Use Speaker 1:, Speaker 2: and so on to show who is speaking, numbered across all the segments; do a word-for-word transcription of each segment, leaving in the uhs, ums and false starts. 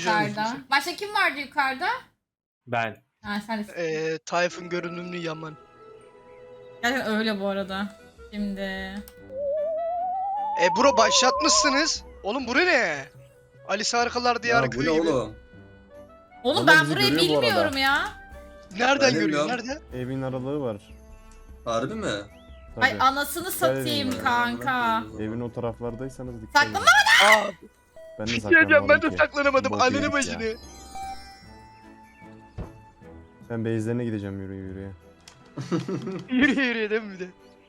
Speaker 1: yukarıda. Başka kim vardı yukarıda?
Speaker 2: Ben.
Speaker 1: Ha sen de.
Speaker 3: Eee Tayfun görünümlü Yaman.
Speaker 1: Gerçekten öyle bu arada. Şimdi.
Speaker 3: E bro başlatmışsınız. Oğlum bura ne? Alice Harikalar Diyarı
Speaker 4: Ya bu ne
Speaker 3: köyü gibi.
Speaker 4: oğlum?
Speaker 1: Oğlum
Speaker 5: Vallahi
Speaker 1: ben
Speaker 5: bizi
Speaker 1: burayı
Speaker 5: görüyor bu arada.
Speaker 1: bilmiyorum ya.
Speaker 3: Nereden
Speaker 4: Ben de
Speaker 3: görüyor?
Speaker 4: bilmiyorum.
Speaker 3: Nerede?
Speaker 5: Evin aralığı var.
Speaker 4: Harbi mi?
Speaker 5: Tabii.
Speaker 1: Ay anasını satayım
Speaker 5: ya.
Speaker 1: kanka.
Speaker 5: Evin o taraflardaysanız dikkat edin.
Speaker 1: Saklama.
Speaker 3: Aa,
Speaker 5: Ben de
Speaker 3: bir şey diyeceğim, ben
Speaker 5: saklanamadım
Speaker 3: de
Speaker 5: ki.
Speaker 3: saklanamadım.
Speaker 5: Bok
Speaker 3: Ananı
Speaker 5: yedik ya.
Speaker 3: başını.
Speaker 5: Ben base'lerine gideceğim yürüye yürüye.
Speaker 3: Yürü yürü değil mi bir de?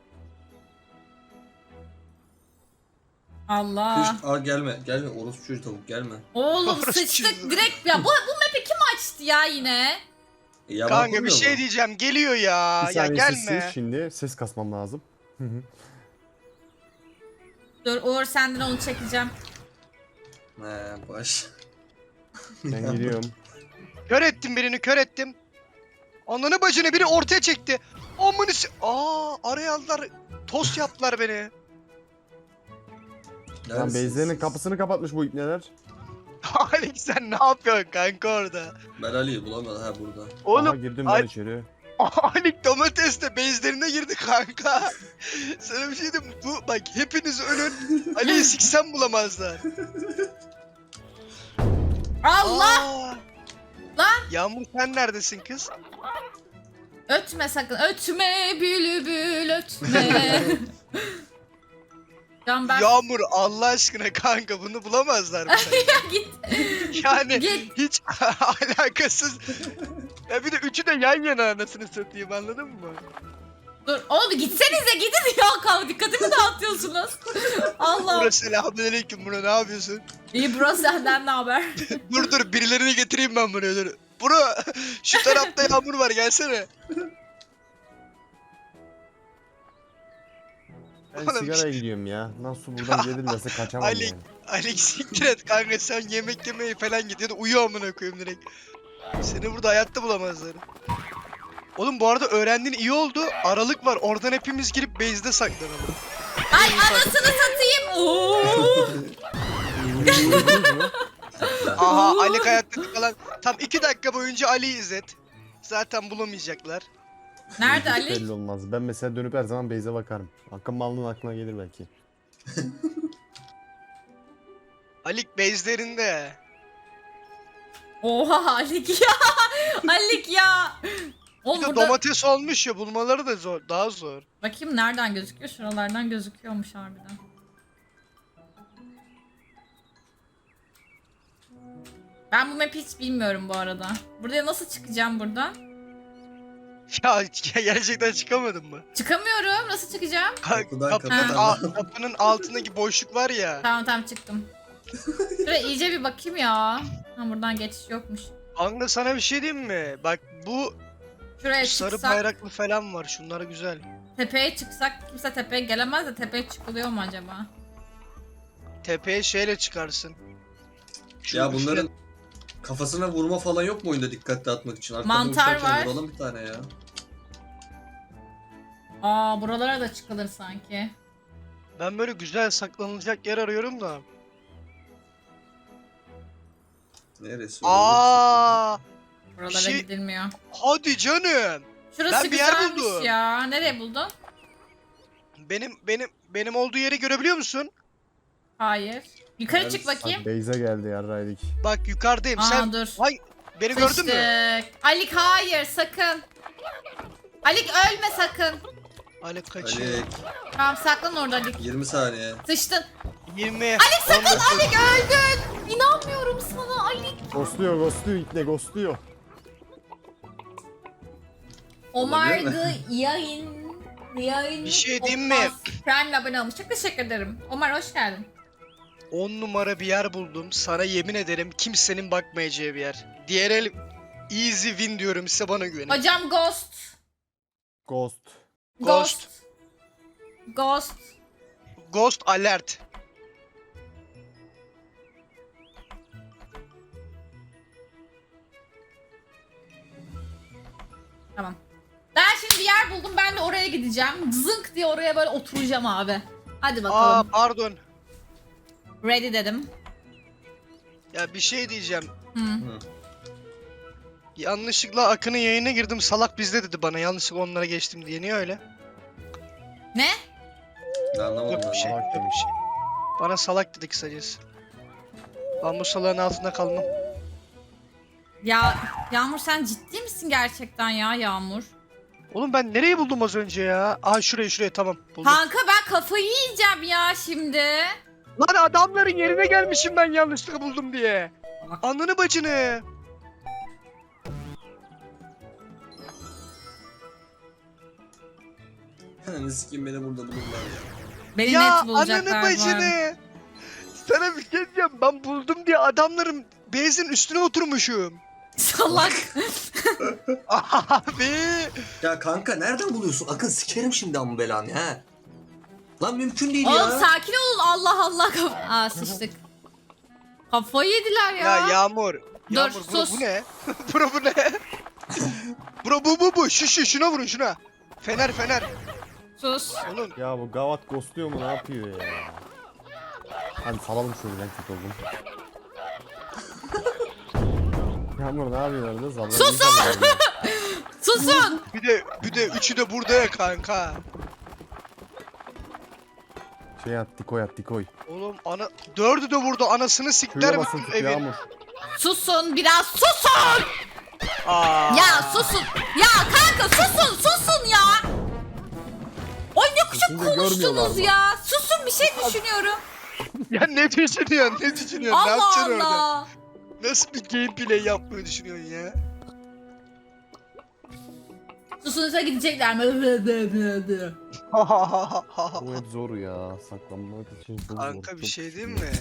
Speaker 1: Allah.
Speaker 4: Kış, aa gelme, gelme. Orospu çocuğu tavuk gelme.
Speaker 1: Oğlum
Speaker 3: Orası
Speaker 1: sıçtık
Speaker 3: çizdi.
Speaker 1: direkt ya. Bu, bu map'i kim açtı ya yine?
Speaker 4: E, yalan
Speaker 3: Kanka bir
Speaker 4: koymuyor
Speaker 3: şey
Speaker 4: mu?
Speaker 3: diyeceğim. Geliyor ya.
Speaker 5: Bir
Speaker 3: Ya
Speaker 5: saniye
Speaker 3: gelme.
Speaker 5: sessiz, şimdi ses kasmam lazım. Hı hı.
Speaker 1: Dur Uğur senden onu çekeceğim.
Speaker 4: He baş.
Speaker 5: Ben gidiyorum.
Speaker 3: Kör ettim birini, kör ettim. Ananı bacını biri ortaya çekti. Amını s- Aa, araya aldılar. Tost yaptılar beni.
Speaker 5: Lan
Speaker 4: Neredesiniz?
Speaker 5: base'lerinin kapısını kapatmış bu ipneler.
Speaker 3: Alex sen ne yapıyorsun kanka orada?
Speaker 4: Ben Ali'yi bulamadım ha burada.
Speaker 5: Aha
Speaker 3: Oğlum
Speaker 5: girdim
Speaker 3: ay-
Speaker 5: ben içeri.
Speaker 3: Alex domatesle bezlerine girdi kanka. Sana bir şey diyeyim mi? Bu bak hepiniz ölün. Ali'yi siksem bulamazlar.
Speaker 1: Allah!
Speaker 3: Aa!
Speaker 1: Lan!
Speaker 3: Yağmur sen neredesin kız?
Speaker 1: Ötme sakın. Ötme bülbül ötme. Can ben
Speaker 3: Yağmur Allah aşkına kanka bunu bulamazlar mı?
Speaker 1: git.
Speaker 3: Yani
Speaker 1: Git.
Speaker 3: hiç alakasız. Ya bir de üçü de yan yana anasını satayım anladın mı?
Speaker 1: Dur oğlum gitsenize gidin ya. Kal dikkatimi dağıtıyorsunuz. Allah.
Speaker 3: Bro selamünaleyküm bro ne yapıyorsun?
Speaker 1: İyi bro senden ne haber?
Speaker 3: Dur dur birilerini getireyim ben buraya dur. Bro şu tarafta Yağmur var gelsene.
Speaker 5: Ben
Speaker 3: Oğlum,
Speaker 5: sigaraya gidiyorum ya. Nasıl buradan gelirlerse kaçamam
Speaker 3: Ali-
Speaker 5: yani.
Speaker 3: Alex siktir et kanka sen yemek yemeye falan git ya da uyu amına koyayım direkt. Seni burada hayatta bulamazlar. Oğlum bu arada öğrendiğin iyi oldu. Aralık var. Oradan hepimiz girip base'de saklanalım.
Speaker 1: Ay anasını satayım. Oo.
Speaker 3: Aha Ali hayatta falan. Tam iki dakika boyunca Ali'yi izlet. Zaten bulamayacaklar.
Speaker 1: Nerede
Speaker 5: Hiç
Speaker 1: Ali?
Speaker 5: belli olmaz. Ben mesela dönüp her zaman base'e bakarım. Hakkın malının aklına gelir belki.
Speaker 3: Alik base'lerinde.
Speaker 1: Oha Alik ya. Alik ya.
Speaker 3: Bir
Speaker 1: Oğlum
Speaker 3: de
Speaker 1: burada...
Speaker 3: domates olmuş ya bulmaları da zor. Daha zor.
Speaker 1: Bakayım nereden gözüküyor? Şuralardan gözüküyormuş harbiden. Ben bu map'i hiç bilmiyorum bu arada. Buraya nasıl çıkacağım buradan?
Speaker 3: Ya gerçekten çıkamadın mı?
Speaker 1: Çıkamıyorum. Nasıl çıkacağım?
Speaker 3: Ka-
Speaker 4: Kapıdan
Speaker 3: kapının,
Speaker 4: kapıdan.
Speaker 3: al- kapının altındaki boşluk var ya.
Speaker 1: Tamam tamam çıktım. Şuraya iyice bir bakayım ya. Ha buradan geçiş yokmuş.
Speaker 3: Anla sana bir şey diyeyim mi? Bak bu
Speaker 1: Şuraya
Speaker 3: sarı
Speaker 1: çıksak,
Speaker 3: bayraklı falan var. Şunlar güzel.
Speaker 1: tepeye çıksak kimse tepeye gelemez de tepeye çıkılıyor mu acaba?
Speaker 3: Tepeye şeyle çıkarsın. Şu
Speaker 4: Ya
Speaker 3: üfle-
Speaker 4: bunların kafasına vurma falan yok mu oyunda dikkatli atmak için? Arkadan
Speaker 1: Mantar
Speaker 4: uçarken
Speaker 1: var.
Speaker 4: Vuralım bir tane ya.
Speaker 1: Aa buralara da çıkılır sanki.
Speaker 3: Ben böyle güzel saklanılacak yer arıyorum da.
Speaker 4: Neresi?
Speaker 3: Aa,
Speaker 1: Buralara
Speaker 3: şey-
Speaker 1: gidilmiyor.
Speaker 3: hadi canım.
Speaker 1: Şurası
Speaker 3: Ben bir yer
Speaker 1: güzelmiş
Speaker 3: buldum.
Speaker 1: ya. Nereye buldun?
Speaker 3: Benim benim benim olduğu yeri görebiliyor musun?
Speaker 1: Hayır. Yukarı
Speaker 4: Neresi?
Speaker 1: çık
Speaker 5: Bak
Speaker 1: bakayım.
Speaker 5: base'e geldi yarraydık.
Speaker 3: Bak yukarıdayım.
Speaker 1: Aa
Speaker 3: Sen
Speaker 1: dur.
Speaker 3: Ay, beni gördün mü?
Speaker 1: Sıçtık. Alik hayır sakın. Alik ölme sakın.
Speaker 3: Ali kaçıyor.
Speaker 4: Ali
Speaker 1: Tamam saklan orada Alik.
Speaker 4: yirmi saniye.
Speaker 1: Sıçtın.
Speaker 3: yirmi.
Speaker 1: Alik sakın
Speaker 3: on dokuz.
Speaker 1: Alik öldün. İnanmıyorum sana Alik.
Speaker 5: Ghostluyor ghostluyor ipne ghostluyor.
Speaker 1: Omar
Speaker 4: Olabilir mi?
Speaker 1: the yayın. Yayın.
Speaker 3: Bir şey diyeyim mi?
Speaker 1: olmaz. Prime'le abone olmuş. Çok teşekkür ederim. Omar hoş geldin.
Speaker 3: on numara bir yer buldum. Sana yemin ederim kimsenin bakmayacağı bir yer. Diğer el easy win diyorum size bana güvenin.
Speaker 1: Hocam Ghost.
Speaker 5: Ghost.
Speaker 3: Ghost.
Speaker 1: Ghost.
Speaker 3: Ghost alert.
Speaker 1: Tamam. Ben şimdi bir yer buldum. Ben de oraya gideceğim. Zınk diye oraya böyle oturacağım abi. Hadi
Speaker 3: Aa
Speaker 1: bakalım.
Speaker 3: pardon.
Speaker 1: Ready dedim.
Speaker 3: Ya bir şey diyeceğim.
Speaker 1: Hı.
Speaker 4: Hı.
Speaker 3: Yanlışlıkla Akın'ın yayına girdim. Salak bizde dedi bana. Yanlışlıkla onlara geçtim diye. Niye öyle?
Speaker 1: Ne?
Speaker 4: Ben anlamadım
Speaker 3: Yok
Speaker 4: ben.
Speaker 3: bir şey.
Speaker 5: Salak
Speaker 3: Yok bir
Speaker 5: demiş.
Speaker 3: şey. Bana salak dedi kısacası. Ben bu salağın altında kalmam.
Speaker 1: Ya Yağmur sen ciddi misin gerçekten ya Yağmur?
Speaker 3: Oğlum ben nereyi buldum az önce ya? Aha şurayı şurayı tamam buldum.
Speaker 1: Kanka ben kafayı yiyeceğim ya şimdi.
Speaker 3: Lan adamların yerine gelmişim ben yanlışlıkla buldum diye. Ananı bacını.
Speaker 4: Ne sikeyim beni burada bulurlar ya.
Speaker 1: Beni
Speaker 3: Ya
Speaker 1: net
Speaker 3: ananı
Speaker 1: bulacaklar bu arada.
Speaker 3: bacını. Sana bir şey diyeceğim. Ben buldum diye adamların bezin üstüne oturmuşum.
Speaker 1: Salak.
Speaker 3: Abi.
Speaker 4: Ya kanka nereden buluyorsun? Akın sikerim şimdi amma belanı ha. Lan mümkün değil
Speaker 1: Oğlum
Speaker 4: ya.
Speaker 1: sakin olun Allah Allah. Kaf- Aa sıçtık. Kafayı yediler ya.
Speaker 3: Ya Yağmur. Yağmur bro,
Speaker 1: sus.
Speaker 3: bu ne? Bro bu ne? Bro bu bu bu. Şu şu şuna vurun şuna. Fener fener.
Speaker 1: Sus.
Speaker 3: Oğlum
Speaker 5: Ya bu gavat ghostluyor mu ne yapıyor ya? Hadi salalım şöyle ben kötü oldum. Yağmur ne yapıyorsun orada? Sallan.
Speaker 1: Susun! Susun.
Speaker 3: bir de bir de üçü de burada ya kanka.
Speaker 5: Şey at dikoy at dikoy.
Speaker 3: Oğlum ana dördü de burada anasını sikler
Speaker 5: Şöyle
Speaker 3: mi
Speaker 5: basın tut
Speaker 3: evin?
Speaker 5: Yağmur.
Speaker 1: Susun biraz susun.
Speaker 3: Aa.
Speaker 1: Ya susun. Ya kanka susun susun ya. Oy ne kuşak
Speaker 5: Susunca görmüyorlar
Speaker 1: konuştunuz
Speaker 5: mı?
Speaker 1: ya. Susun bir şey düşünüyorum.
Speaker 3: Ya ne düşünüyorsun? Ne düşünüyorsun? ne
Speaker 1: Allah
Speaker 3: yapacaksın orada?
Speaker 1: Allah.
Speaker 3: Nasıl bir gameplay yapmayı düşünüyorsun ya?
Speaker 1: Susunuza gidecekler mi?
Speaker 5: Bu hep zor ya. Saklanmak için çok zor.
Speaker 3: Kanka bir
Speaker 5: çok
Speaker 3: şey
Speaker 5: zor.
Speaker 3: diyeyim mi?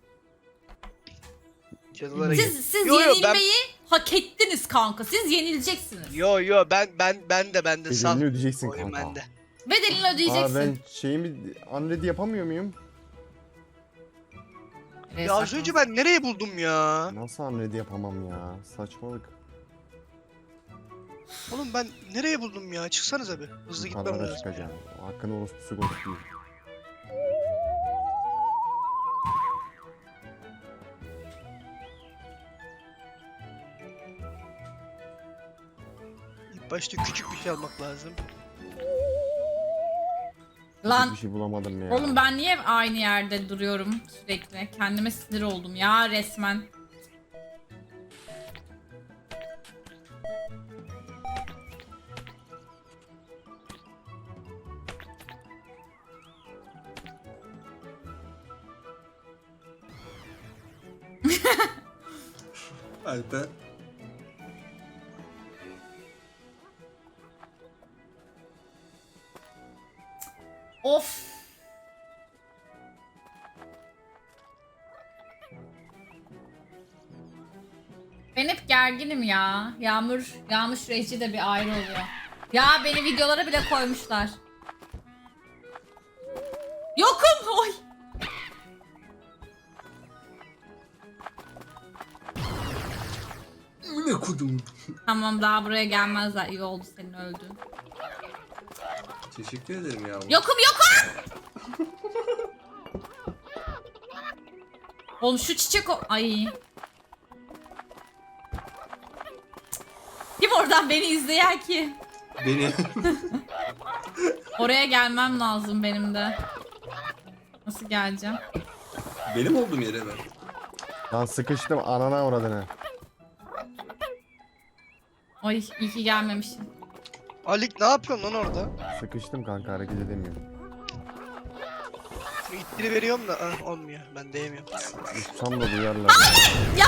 Speaker 3: Cadılara git.
Speaker 1: Siz, siz
Speaker 3: Yo, yo, ben-
Speaker 1: yenilmeyi hak ettiniz kanka. Siz yenileceksiniz.
Speaker 3: Yo yo ben ben ben de ben de sal.
Speaker 5: Bedelini ödeyeceksin
Speaker 3: Oyun
Speaker 5: kanka.
Speaker 3: bende.
Speaker 1: Bedelini
Speaker 5: Aa
Speaker 1: ödeyeceksin.
Speaker 5: ben şeyimi unready yapamıyor muyum?
Speaker 1: Nereye
Speaker 3: Ya az
Speaker 1: saklan-
Speaker 3: önce ben nereyi buldum ya?
Speaker 5: Nasıl unready yapamam ya? Saçmalık.
Speaker 3: Oğlum ben nereye buldum ya? Çıksanıza bir. Hızlı gitmem
Speaker 5: Yukarılara
Speaker 3: lazım.
Speaker 5: çıkacağım. Hakkın orospusu ghost değil.
Speaker 3: İlk başta küçük bir şey almak lazım.
Speaker 1: Lan
Speaker 5: Bir şey bulamadım ya.
Speaker 1: oğlum ben niye aynı yerde duruyorum sürekli? Kendime sinir oldum ya resmen.
Speaker 4: Alper.
Speaker 1: Of. Ben hep gerginim ya. Yağmur, Yağmur süreci de bir ayrı oluyor. Ya beni videolara bile koymuşlar. Yokum. Oy.
Speaker 4: Ne kudum.
Speaker 1: Tamam daha buraya gelmezler. İyi oldu senin öldüğün.
Speaker 4: Teşekkür ederim ya.
Speaker 1: Yokum yokum. Oğlum şu çiçek o... Ay. Kim oradan beni izleyen ki?
Speaker 4: Beni.
Speaker 1: Oraya gelmem lazım benim de. Nasıl geleceğim?
Speaker 4: Benim olduğum yere ben.
Speaker 5: Lan sıkıştım anana uğradığını.
Speaker 1: Ay iyi ki gelmemişim.
Speaker 3: Alik ne yapıyorsun lan orada?
Speaker 5: Sıkıştım kanka hareket edemiyorum.
Speaker 3: Şu ittiri veriyorum da ah, olmuyor. Ben değmiyorum.
Speaker 5: Uçsam da duyarlar.
Speaker 1: Ya.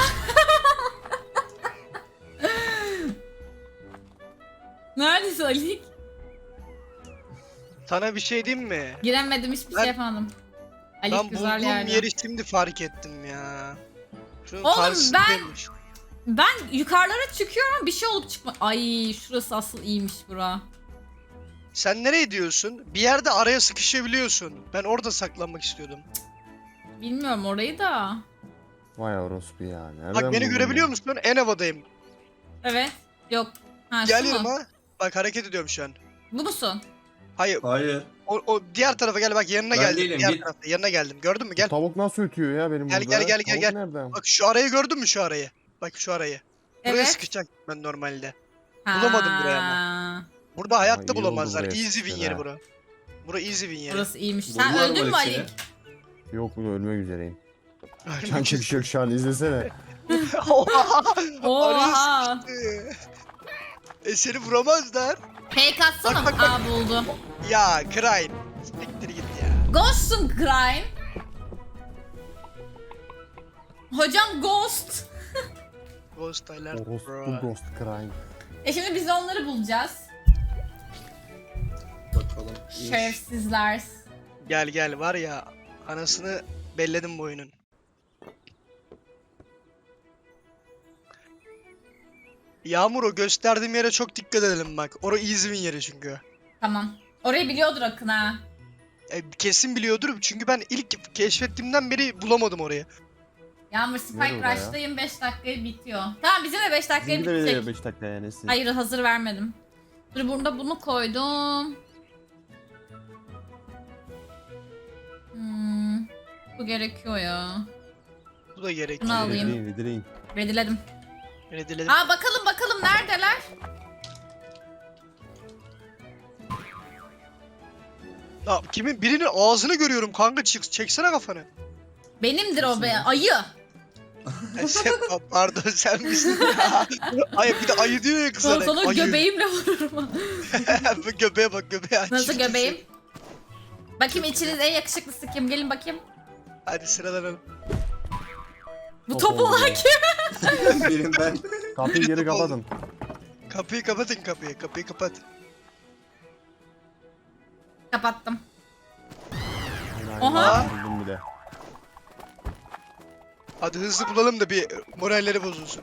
Speaker 1: Neredesin Ali?
Speaker 3: Sana bir şey diyeyim mi?
Speaker 1: Giremedim hiçbir
Speaker 3: Ben-
Speaker 1: şey yapamadım. Ali
Speaker 3: Ben
Speaker 1: güzel
Speaker 3: bulduğum
Speaker 1: yerde.
Speaker 3: yeri şimdi fark ettim ya. Şunun
Speaker 1: Oğlum
Speaker 3: karşısındaymış.
Speaker 1: Ben yukarılara çıkıyorum bir şey olup çıkma. Ay şurası asıl iyiymiş bura.
Speaker 3: Sen nereye diyorsun? Bir yerde araya sıkışabiliyorsun. Ben orada saklanmak istiyordum.
Speaker 1: Bilmiyorum orayı da.
Speaker 5: Vay orospu ya. Nereden
Speaker 3: Bak beni
Speaker 5: buldun
Speaker 3: görebiliyor
Speaker 5: ya?
Speaker 3: musun? En havadayım.
Speaker 1: Evet. Yok. Ha şu
Speaker 3: Geliyorum
Speaker 1: mu?
Speaker 3: ha. Bak hareket ediyorum şu an.
Speaker 1: Bu musun?
Speaker 3: Hayır.
Speaker 4: Hayır.
Speaker 3: O, o diğer tarafa gel bak yanına
Speaker 4: Ben
Speaker 3: geldim.
Speaker 4: değilim,
Speaker 3: diğer
Speaker 4: git.
Speaker 3: tarafa yanına geldim. Gördün mü?
Speaker 5: Bu
Speaker 3: Gel.
Speaker 5: tavuk nasıl ötüyor ya benim
Speaker 3: Gel,
Speaker 5: burada?
Speaker 3: gel, gel, gel,
Speaker 5: Tavuk
Speaker 3: gel.
Speaker 5: nereden?
Speaker 3: Bak şu arayı gördün mü şu arayı? Bak şu arayı. Buraya
Speaker 1: Evet.
Speaker 3: sıkışacak ben normalde. Bulamadım burayı
Speaker 1: ama.
Speaker 3: Burada hayatta
Speaker 5: iyi oldu
Speaker 3: bulamazlar.
Speaker 5: buraya
Speaker 3: Easy win
Speaker 5: sıkıştın
Speaker 3: yeri
Speaker 5: ha.
Speaker 3: bura. Bura easy win yeri.
Speaker 1: Burası iyiymiş. Sen
Speaker 4: Buldular mı
Speaker 1: öldün mü
Speaker 4: Alik seni?
Speaker 1: Ali?
Speaker 5: Yok bunu ölmek üzereyim.
Speaker 3: Ölmek
Speaker 5: Kanka bir şey yok şu an izlesene.
Speaker 3: Oha!
Speaker 1: Oha.
Speaker 3: Araya sıkıştı. E seni vuramazlar.
Speaker 1: Fake atsana.
Speaker 3: Bak, bak, bak.
Speaker 1: Aa buldum.
Speaker 3: Ya Crane. Siktir git ya.
Speaker 1: Ghost'un Crime. Hocam Ghost.
Speaker 3: Ghost alert
Speaker 5: Ghost,
Speaker 3: bro.
Speaker 5: bu Ghost Crime.
Speaker 1: E şimdi biz de onları bulacağız.
Speaker 4: Bakalım. İyi.
Speaker 1: Şerefsizler.
Speaker 3: Gel gel var ya. Anasını belledim bu oyunun. Yağmur o gösterdiğim yere çok dikkat edelim bak. Orası easy win yeri çünkü.
Speaker 1: Tamam. Orayı biliyordur Akın ha.
Speaker 3: E, kesin biliyordur çünkü ben ilk keşfettiğimden beri bulamadım orayı.
Speaker 1: Yağmur
Speaker 5: Nerede
Speaker 1: Spike
Speaker 5: oraya?
Speaker 1: Rush'tayım beş dakikaya bitiyor. Tamam bizim de beş dakikaya
Speaker 5: Bizimki de
Speaker 1: bitecek.
Speaker 5: veriyor beş dakika yani. Siz.
Speaker 1: Hayır hazır vermedim. Dur burada bunu koydum. Hmm, bu gerekiyor ya.
Speaker 3: Bu da gerek.
Speaker 1: Bunu alayım.
Speaker 5: Dileyin, dileyin.
Speaker 1: Rediledim.
Speaker 3: Öyle diledim.
Speaker 1: Aa bakalım bakalım neredeler?
Speaker 3: Ya, kimin birinin ağzını görüyorum kanka çık çeksene kafanı.
Speaker 1: Benimdir o be ayı.
Speaker 3: E, sen, pardon sen misin ya? Ay bir de ayı diyor ya kıza.
Speaker 1: Sana, sana
Speaker 3: ayı.
Speaker 1: göbeğimle vururum.
Speaker 3: Bu göbeğe bak göbeğe aç.
Speaker 1: Nasıl göbeğim? Bakayım içiniz en yakışıklısı kim? Gelin bakayım.
Speaker 3: Hadi sıralanalım.
Speaker 1: Bu
Speaker 5: Top
Speaker 1: top
Speaker 5: oldu
Speaker 1: olan
Speaker 5: ya.
Speaker 1: kim?
Speaker 4: Benim ben.
Speaker 5: Kapıyı geri kapatın.
Speaker 3: Kapıyı kapatın kapıyı. Kapıyı kapat.
Speaker 1: Kapattım.
Speaker 5: Aynen,
Speaker 1: Aha.
Speaker 5: aynen, buldum bile.
Speaker 3: Hadi hızlı bulalım da bir moralleri bozulsun.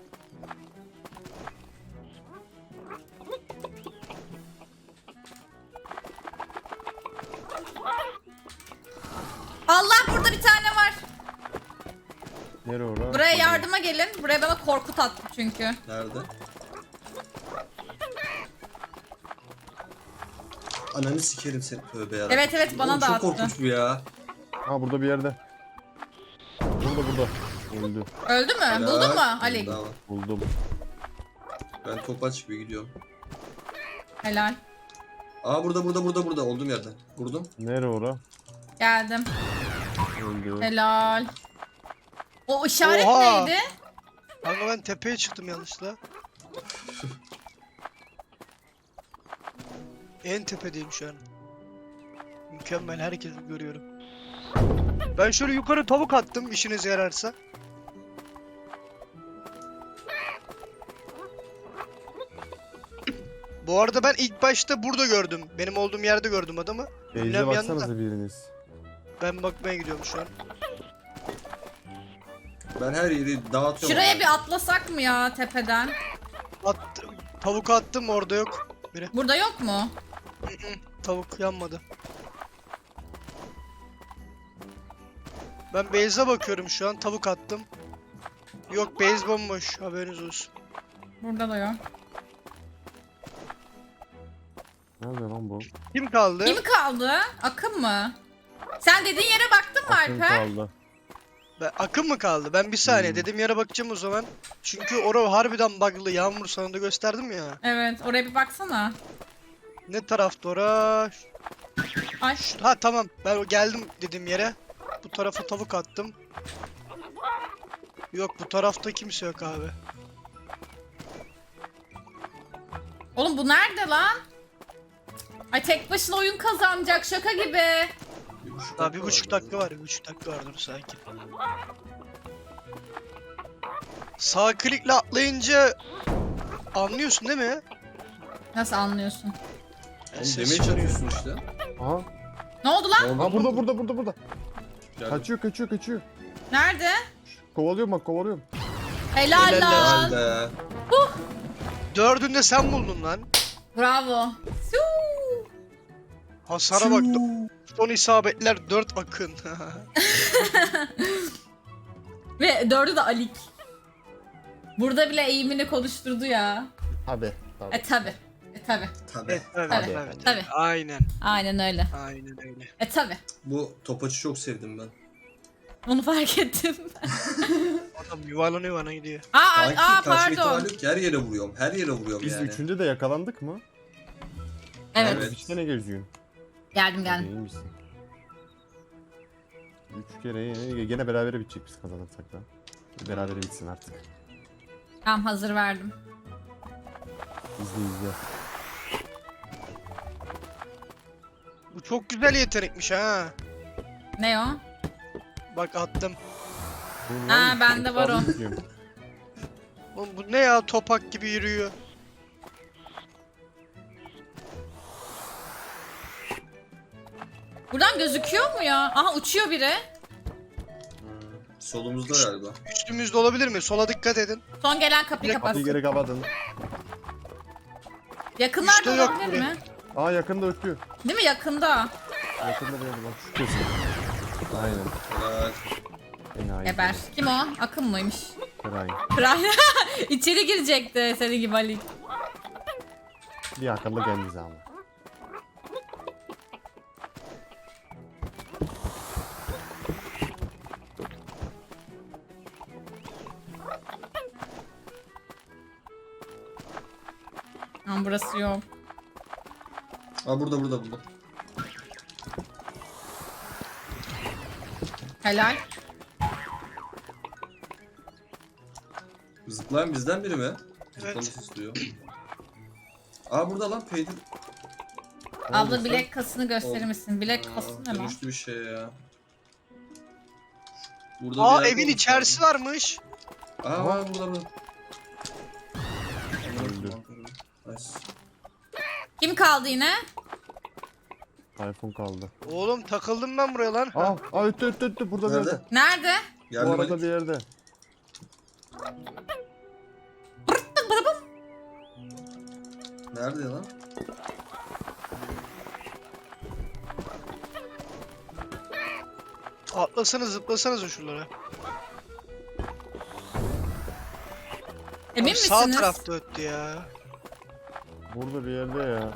Speaker 1: Allah burada bir tane var.
Speaker 5: Nere ora?
Speaker 1: Buraya yardıma gelin. Buraya bana korkut attı çünkü.
Speaker 4: Nerede? Ananı sikerim seni tövbe yarabbim.
Speaker 1: Evet, evet, bana
Speaker 4: Oğlum,
Speaker 1: da
Speaker 4: çok
Speaker 1: attı.
Speaker 4: korkunç bu ya.
Speaker 5: Ha burada bir yerde. Burada burada. Öldü.
Speaker 1: Öldü mü? Buldun mu Ali?
Speaker 4: Daha var.
Speaker 5: Buldum.
Speaker 4: Ben topaç gibi gidiyorum.
Speaker 1: Helal.
Speaker 4: Aa burada burada burada burada olduğum yerden. Vurdum.
Speaker 5: Nere ora?
Speaker 1: Geldim.
Speaker 5: Öldü.
Speaker 1: Helal. O işaret
Speaker 3: Oha!
Speaker 1: neydi?
Speaker 3: Kanka ben tepeye çıktım yanlışlıkla. En tepedeyim şu an. Mükemmel herkesi görüyorum. Ben şöyle yukarı tavuk attım işinize yararsa. Bu arada ben ilk başta burada gördüm. Benim olduğum yerde gördüm adamı.
Speaker 5: Beyze
Speaker 3: Ünlem yanında.
Speaker 5: baksanıza biriniz.
Speaker 3: Ben bakmaya gidiyorum şu an.
Speaker 4: Ben her yeri dağıtıyorum.
Speaker 1: Şuraya
Speaker 4: abi.
Speaker 1: bir atlasak mı ya tepeden?
Speaker 3: Attım. Tavuk attım orada yok.
Speaker 1: Burada yok mu?
Speaker 3: Tavuk yanmadı. Ben base'e bakıyorum şu an. Tavuk attım. Yok base bomboş. Haberiniz olsun.
Speaker 1: Burada da yok.
Speaker 5: Nerede lan bu?
Speaker 3: Kim kaldı?
Speaker 1: Kim kaldı? Akın mı? Sen dediğin yere baktın mı
Speaker 5: Akın
Speaker 1: Alper?
Speaker 5: kaldı.
Speaker 3: Ben, Akın mı kaldı? Ben bir saniye
Speaker 5: Hmm.
Speaker 3: dedim yere bakacağım o zaman. Çünkü orada harbiden bug'lı. Yağmur sana da gösterdim ya.
Speaker 1: Evet oraya bir baksana.
Speaker 3: Ne tarafta ora?
Speaker 1: Ay.
Speaker 3: Şu- Ha tamam. Ben geldim dediğim yere. Bu tarafa tavuk attım. Yok bu tarafta kimse yok abi.
Speaker 1: Oğlum bu nerede lan? Ay tek başına oyun kazanacak şaka gibi.
Speaker 4: Bir buçuk
Speaker 3: Daha bir buçuk
Speaker 4: var
Speaker 3: dakika var. Bir buçuk dakika var dur sakin. Sağ klikle atlayınca anlıyorsun değil mi?
Speaker 1: Nasıl anlıyorsun?
Speaker 3: Yani
Speaker 4: Oğlum
Speaker 3: ses
Speaker 4: demeye
Speaker 3: çıkarıyor.
Speaker 4: çatıyorsun işte.
Speaker 5: Aha.
Speaker 1: Ne oldu lan?
Speaker 4: Oldu
Speaker 5: Ha
Speaker 4: mu?
Speaker 5: burada burada burada burada.
Speaker 4: Geldim.
Speaker 5: Kaçıyor kaçıyor kaçıyor.
Speaker 1: Nerede?
Speaker 5: Kovalıyorum bak kovalıyorum.
Speaker 1: Helal
Speaker 3: Helal
Speaker 1: lan.
Speaker 4: Helal be.
Speaker 3: Dördünde sen buldun lan.
Speaker 1: Bravo. Suu.
Speaker 3: Hasara bak. Son isabetler dört akın.
Speaker 1: Ve dördü de Alik. Burada bile eğimini konuşturdu ya.
Speaker 5: Hadi. Tabii.
Speaker 1: E tabi. E tabi.
Speaker 4: Tabii.
Speaker 3: evet, evet,
Speaker 1: Tabii,
Speaker 3: evet,
Speaker 1: tabii.
Speaker 3: Aynen.
Speaker 1: Aynen öyle.
Speaker 3: Aynen öyle.
Speaker 1: E tabi.
Speaker 4: Bu topaçı çok sevdim ben.
Speaker 1: Onu fark ettim.
Speaker 3: Adam yuvarlanıyor bana gidiyor.
Speaker 1: Aa,
Speaker 4: Kanki
Speaker 1: aa
Speaker 4: kaçma
Speaker 1: pardon.
Speaker 4: ihtimali yok ki, her yere vuruyorum. Her yere vuruyorum
Speaker 5: Biz
Speaker 4: yani.
Speaker 5: üçünde de yakalandık mı?
Speaker 1: Evet.
Speaker 4: Evet.
Speaker 5: İşte ne geziyorsun?
Speaker 1: Geldim geldim.
Speaker 5: İyi misin? Üç kere gene berabere bitecek biz kazanırsak da. Berabere bitsin artık.
Speaker 1: Tamam hazır verdim.
Speaker 5: İzle izle.
Speaker 3: Bu çok güzel yetenekmiş ha.
Speaker 1: Ne o?
Speaker 3: Bak attım.
Speaker 5: Dur
Speaker 1: Ha,
Speaker 5: lan,
Speaker 1: bende var o.
Speaker 5: bekliyorum.
Speaker 3: Oğlum bu ne ya, topak gibi yürüyor.
Speaker 1: Buradan gözüküyor mu ya? Aha uçuyor biri.
Speaker 4: Hmm, solumuzda galiba.
Speaker 3: Üstümüzde olabilir mi? Sola dikkat edin.
Speaker 1: Son gelen kapıyı
Speaker 3: Direkt
Speaker 5: Kapıyı
Speaker 1: kapatsın.
Speaker 5: geri kapatın.
Speaker 1: Yakınlarda
Speaker 3: Üstte yok
Speaker 1: olabilir
Speaker 3: biri.
Speaker 1: mi?
Speaker 5: Aa yakında ötüyor.
Speaker 1: Değil mi yakında?
Speaker 5: Yakında bir yerde bak şu kesin. Aynen.
Speaker 4: Helal.
Speaker 5: Enayi.
Speaker 1: Geber. Kim o? Akın mıymış?
Speaker 5: Enayi.
Speaker 1: Kral. İçeri girecekti senin gibi Ali.
Speaker 5: Bir akıllı geldi ama.
Speaker 1: Ama burası yok.
Speaker 4: Aa burada burada burada.
Speaker 1: Helal.
Speaker 4: Zıplayan bizden biri mi?
Speaker 3: Evet.
Speaker 4: Zıplaması istiyor. Aa burada lan Peydir.
Speaker 1: Abla bilek kasını gösterir
Speaker 4: Oldu.
Speaker 1: misin? Bilek
Speaker 4: Aa,
Speaker 1: kası ne lan?
Speaker 4: dönüştü bir şey ya. Burada
Speaker 3: Aa
Speaker 4: bir yer
Speaker 3: evin
Speaker 4: olmuş
Speaker 3: içerisi varmış.
Speaker 4: abi. Aa var burada burada.
Speaker 5: Öldü.
Speaker 4: Nice.
Speaker 1: Kim kaldı yine?
Speaker 5: iPhone kaldı.
Speaker 3: Oğlum takıldım ben buraya lan.
Speaker 5: Aa, aa öttü öttü öttü burada bir
Speaker 4: Nerede?
Speaker 5: yerde.
Speaker 1: Nerede?
Speaker 5: Bu
Speaker 4: Geldim
Speaker 5: arada
Speaker 4: Ali.
Speaker 5: bir yerde.
Speaker 4: Nerede lan?
Speaker 3: Atlasanız zıplasanız şuralara.
Speaker 1: Emin
Speaker 3: Abi sağ
Speaker 1: misiniz?
Speaker 3: tarafta öttü ya.
Speaker 5: Burada bir yerde ya.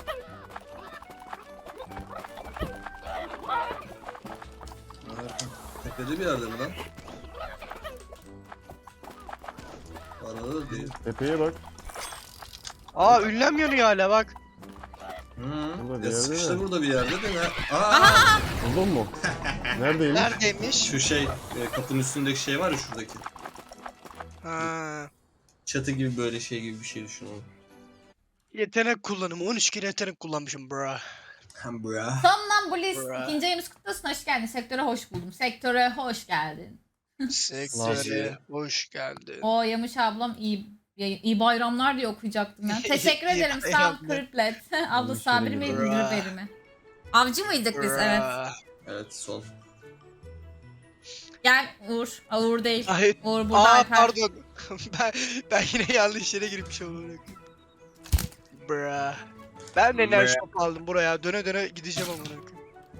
Speaker 4: Nerede? Tepede bir yerde mi lan? Arada da değil.
Speaker 5: Tepeye bak.
Speaker 3: Aa ünlem yanıyor hala bak.
Speaker 4: Hı.
Speaker 5: Burada bir
Speaker 4: Ya
Speaker 5: yerde
Speaker 4: sıkıştı
Speaker 5: mi?
Speaker 4: burada bir yerde de ne? Aa!
Speaker 5: Buldun mu? Neredeymiş?
Speaker 3: Neredeymiş?
Speaker 4: Şu şey, e, kapının üstündeki şey var ya şuradaki.
Speaker 3: Ha.
Speaker 4: Çatı gibi böyle şey gibi bir şey düşün onu.
Speaker 3: Yetenek kullanımı. on üç kere yetenek kullanmışım bro.
Speaker 4: Hem bu ya.
Speaker 1: Somnambulist.
Speaker 3: Bra.
Speaker 1: İkinci ayımız kutlu olsun. Hoş geldin. Sektöre hoş buldum. Sektöre hoş geldin.
Speaker 3: Sektöre hoş geldin.
Speaker 1: O Yamış ablam iyi iyi bayramlar diye okuyacaktım ya. Teşekkür
Speaker 3: İyi
Speaker 1: ederim. Sağ ol
Speaker 3: bayramlar.
Speaker 1: Kriplet. Abla
Speaker 5: Müşteri
Speaker 1: sabir mi
Speaker 5: gibi.
Speaker 1: nürveri mi? Avcı mıydık biz? Evet.
Speaker 3: Bra.
Speaker 4: Evet son.
Speaker 1: Gel Uğur. Aa, Uğur değil.
Speaker 3: Ay,
Speaker 1: Uğur burada
Speaker 3: aa
Speaker 1: Alper.
Speaker 3: pardon. ben, ben yine yanlış yere girmiş oldum. Bra. Ben de enerji shop aldım buraya. Döne döne gideceğim amına koyayım.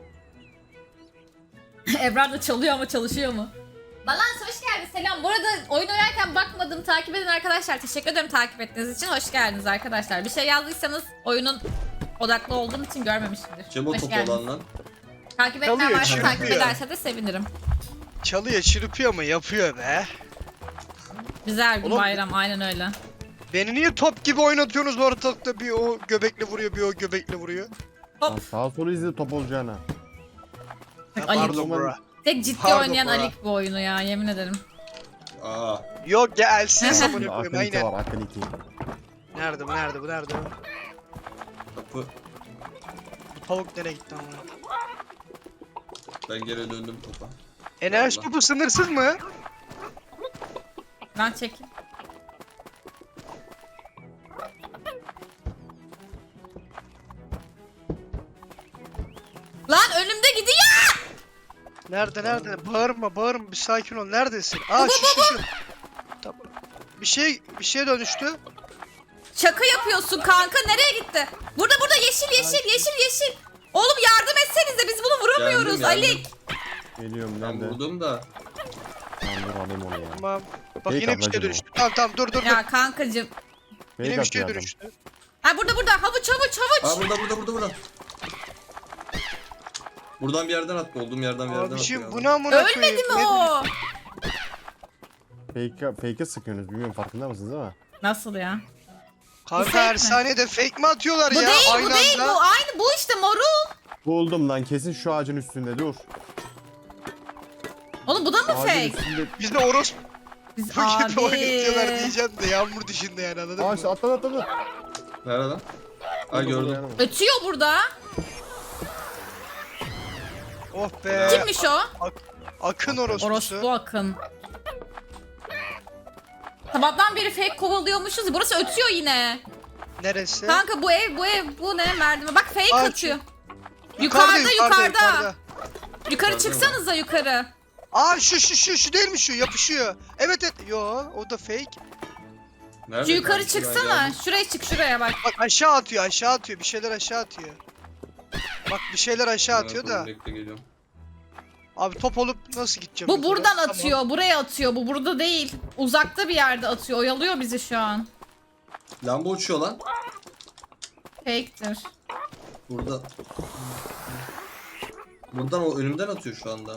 Speaker 1: Ebrar da çalıyor ama çalışıyor mu? Balans hoş geldin. Selam. Bu arada oyun oynarken bakmadım. Takip eden arkadaşlar. Teşekkür ederim takip ettiğiniz için. Hoş geldiniz arkadaşlar. Bir şey yazdıysanız oyunun odaklı olduğum için görmemişimdir.
Speaker 4: Cebo
Speaker 1: Hoş
Speaker 4: top
Speaker 1: geldiniz.
Speaker 4: olan lan.
Speaker 1: Takip etmeyen
Speaker 3: Çalıyor,
Speaker 1: varsa takip
Speaker 3: çırpıyor.
Speaker 1: ederse de sevinirim.
Speaker 3: Çalıyor çırpıyor ama yapıyor be.
Speaker 1: Güzel bir
Speaker 3: Oğlum-
Speaker 1: bayram. Aynen öyle.
Speaker 3: Beni niye top gibi oynatıyorsunuz ortalıkta, bir o göbekle vuruyor bir o göbekle vuruyor.
Speaker 5: Lan sağa sola izle top olacağına.
Speaker 3: Ya,
Speaker 1: Ali.
Speaker 3: pardon bro.
Speaker 1: Tek ciddi
Speaker 3: Pardon
Speaker 1: oynayan
Speaker 3: Bora.
Speaker 1: Alik bu oyunu ya. Yemin ederim.
Speaker 4: Aa.
Speaker 3: Yok ya elsiz amına
Speaker 5: Şimdi
Speaker 3: koyayım
Speaker 5: akıl iki
Speaker 3: aynen.
Speaker 5: var akıl iki.
Speaker 3: Nerede bu nerede bu nerede bu?
Speaker 4: Kapı.
Speaker 3: Bu tavuk nereye gitti amına?
Speaker 4: Ben geri döndüm topa.
Speaker 3: Enerji
Speaker 4: Allah.
Speaker 3: topu sınırsız mı?
Speaker 1: Ben çekeyim. Lan önümde gidiyor.
Speaker 3: Nerede nerede? Bağırma bağırma bir sakin ol. Neredesin? Aa şu şu şu. Tamam. Bir şey bir şeye dönüştü.
Speaker 1: Şaka yapıyorsun kanka. Nereye gitti? Burada burada yeşil yeşil yeşil yeşil. Oğlum yardım etsenize biz bunu vuramıyoruz
Speaker 4: Geldim, geldim.
Speaker 1: Alik.
Speaker 5: Geliyorum
Speaker 4: Ben
Speaker 5: nerede?
Speaker 4: vurdum da.
Speaker 5: Tamam dur alayım onu ya.
Speaker 3: Tamam. Bak
Speaker 5: Fake
Speaker 3: yine bir şey
Speaker 5: ablacım o.
Speaker 3: dönüştü. Tamam tamam dur dur dur.
Speaker 1: Ya kankacım.
Speaker 3: Yine
Speaker 5: Fake
Speaker 3: bir şey
Speaker 5: atıyor adam.
Speaker 3: dönüştü.
Speaker 1: Ha burada burada havuç havuç havuç.
Speaker 4: Aa burada burada burada burada. Buradan bir yerden attı. Olduğum yerden bir yerden attı.
Speaker 3: Abiciğim
Speaker 4: ya.
Speaker 3: bu ne amına koyayım?
Speaker 1: Ölmedi mi
Speaker 3: Ne-
Speaker 1: o?
Speaker 5: Fake'e fake'e sıkıyorsunuz. Bilmiyorum farkında mısınız ama.
Speaker 1: Nasıl ya? Bu
Speaker 3: Kanka
Speaker 1: fake
Speaker 3: her
Speaker 1: mi?
Speaker 3: saniyede fake mi atıyorlar
Speaker 1: Bu
Speaker 3: ya?
Speaker 1: değil
Speaker 3: Aynı
Speaker 1: bu değil
Speaker 3: anda.
Speaker 1: bu. Aynı bu işte morul.
Speaker 5: Buldum lan kesin şu ağacın üstünde dur.
Speaker 1: Oğlum bu da mı
Speaker 5: Ağacın
Speaker 1: fake?
Speaker 5: üstünde.
Speaker 3: Biz de orospu
Speaker 1: Biz
Speaker 3: gibi oynatıyorlar
Speaker 1: abi.
Speaker 3: diyeceğim de yağmur dışında yani anladın
Speaker 5: Aa
Speaker 3: mı?
Speaker 5: işte atladı atladı.
Speaker 4: Nerede lan? Ay gördüm.
Speaker 1: Ötüyor burada.
Speaker 3: Oh be.
Speaker 1: Kimmiş o?
Speaker 3: Akın orospusu.
Speaker 1: Orospu Akın. Sabahtan beri fake kovalıyormuşuz. Burası ötüyor yine.
Speaker 3: Neresi?
Speaker 1: Kanka bu ev bu ev bu ne merdiven. Bak fake
Speaker 3: Aa,
Speaker 1: atıyor. Yukarıda yukarıda. Yukarı çıksanıza yukarı.
Speaker 3: Aa şu şu şu şu değil mi şu yapışıyor. Evet evet. Yo o da fake.
Speaker 4: Nerede?
Speaker 1: Şu yukarı
Speaker 4: kanki? Ben
Speaker 1: çıksana.
Speaker 4: geldim.
Speaker 1: Şuraya çık şuraya bak.
Speaker 3: Bak aşağı atıyor aşağı atıyor bir şeyler aşağı atıyor. Bak bir şeyler aşağı atıyor da.
Speaker 4: Bekle geliyorum.
Speaker 3: Abi top olup nasıl gideceğim?
Speaker 1: Bu
Speaker 3: yukarı?
Speaker 1: buradan
Speaker 3: Tamam.
Speaker 1: atıyor. Buraya atıyor. Bu burada değil. Uzakta bir yerde atıyor. Oyalıyor bizi şu an.
Speaker 4: Lamba uçuyor lan.
Speaker 1: Fake'tir.
Speaker 4: Burada. Buradan o önümden atıyor şu anda.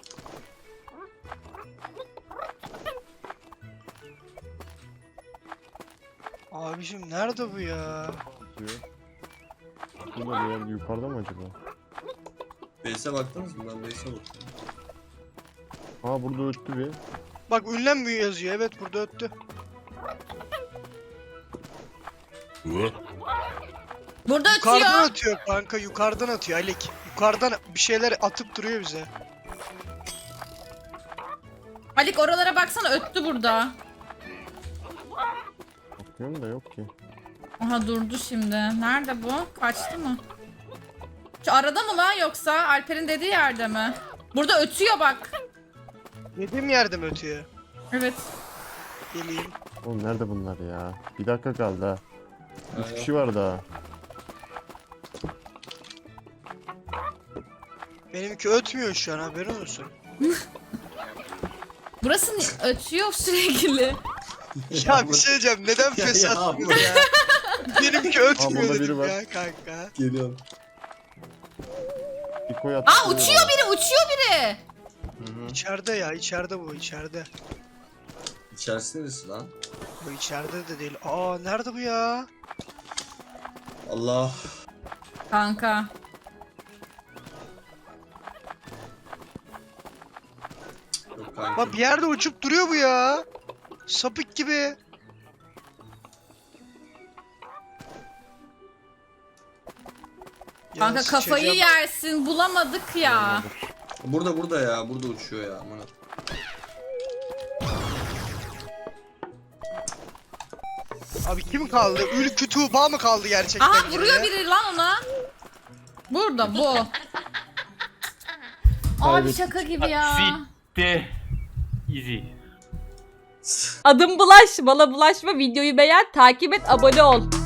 Speaker 3: Abiciğim nerede bu ya?
Speaker 5: Diyor. Burada bir yer yukarıda mı acaba?
Speaker 4: Base'e baktınız mı? Ben base'e baktım.
Speaker 5: Aa burada öttü bir.
Speaker 3: Bak ünlenmiyor yazıyor. Evet burada öttü.
Speaker 1: Burada
Speaker 3: Yukarıdan
Speaker 1: ötüyor.
Speaker 3: atıyor kanka yukarıdan atıyor Alik. Yukarıdan bir şeyler atıp duruyor bize.
Speaker 1: Alik oralara baksana öttü burada.
Speaker 5: Bakıyorum da yok ki.
Speaker 1: Aha durdu şimdi. Nerede bu? Kaçtı mı? Şu arada mı lan yoksa Alper'in dediği yerde mi? Burada ötüyor bak.
Speaker 3: Yediğim yerde mi ötüyor?
Speaker 1: Evet.
Speaker 3: Geleyim.
Speaker 5: Oğlum nerede bunlar ya? Bir dakika kaldı ha. Üç
Speaker 4: Aynen.
Speaker 5: kişi var daha.
Speaker 3: Benimki ötmüyor şu an haberin olsun.
Speaker 1: Burası ni- ötüyor sürekli.
Speaker 3: Ya bir şey diyeceğim neden
Speaker 4: Ya,
Speaker 3: fes
Speaker 4: ya,
Speaker 3: atmıyor ya? Benimki ötmüyor
Speaker 5: burada biri
Speaker 3: dedim
Speaker 5: var.
Speaker 3: ya kanka.
Speaker 4: Geliyorum.
Speaker 5: Bir koy at.
Speaker 1: Aa uçuyor biri uçuyor biri.
Speaker 4: Hı hı.
Speaker 3: İçeride ya içeride bu içeride.
Speaker 4: İçerisi neresi lan?
Speaker 3: Bu içeride de değil. Aa nerede bu ya?
Speaker 4: Allah.
Speaker 1: Kanka.
Speaker 4: Yok kanka.
Speaker 3: Bak bir yerde uçup duruyor bu ya. Sapık gibi. Ya
Speaker 1: Kanka kafayı
Speaker 3: sıçacağım.
Speaker 1: yersin bulamadık ya.
Speaker 4: Burada burada ya. Burada uçuyor ya. Aman.
Speaker 3: Abi kim kaldı? Ülkü Tuğba mı kaldı gerçekten?
Speaker 1: Aha
Speaker 3: yine
Speaker 1: vuruyor
Speaker 3: ya?
Speaker 1: biri lan ona. Burada bu. Abi
Speaker 5: Kaybettik.
Speaker 1: şaka gibi ya.
Speaker 2: Bitti. Easy.
Speaker 6: Adım Bulaş, bana bulaşma, videoyu beğen, takip et, abone ol.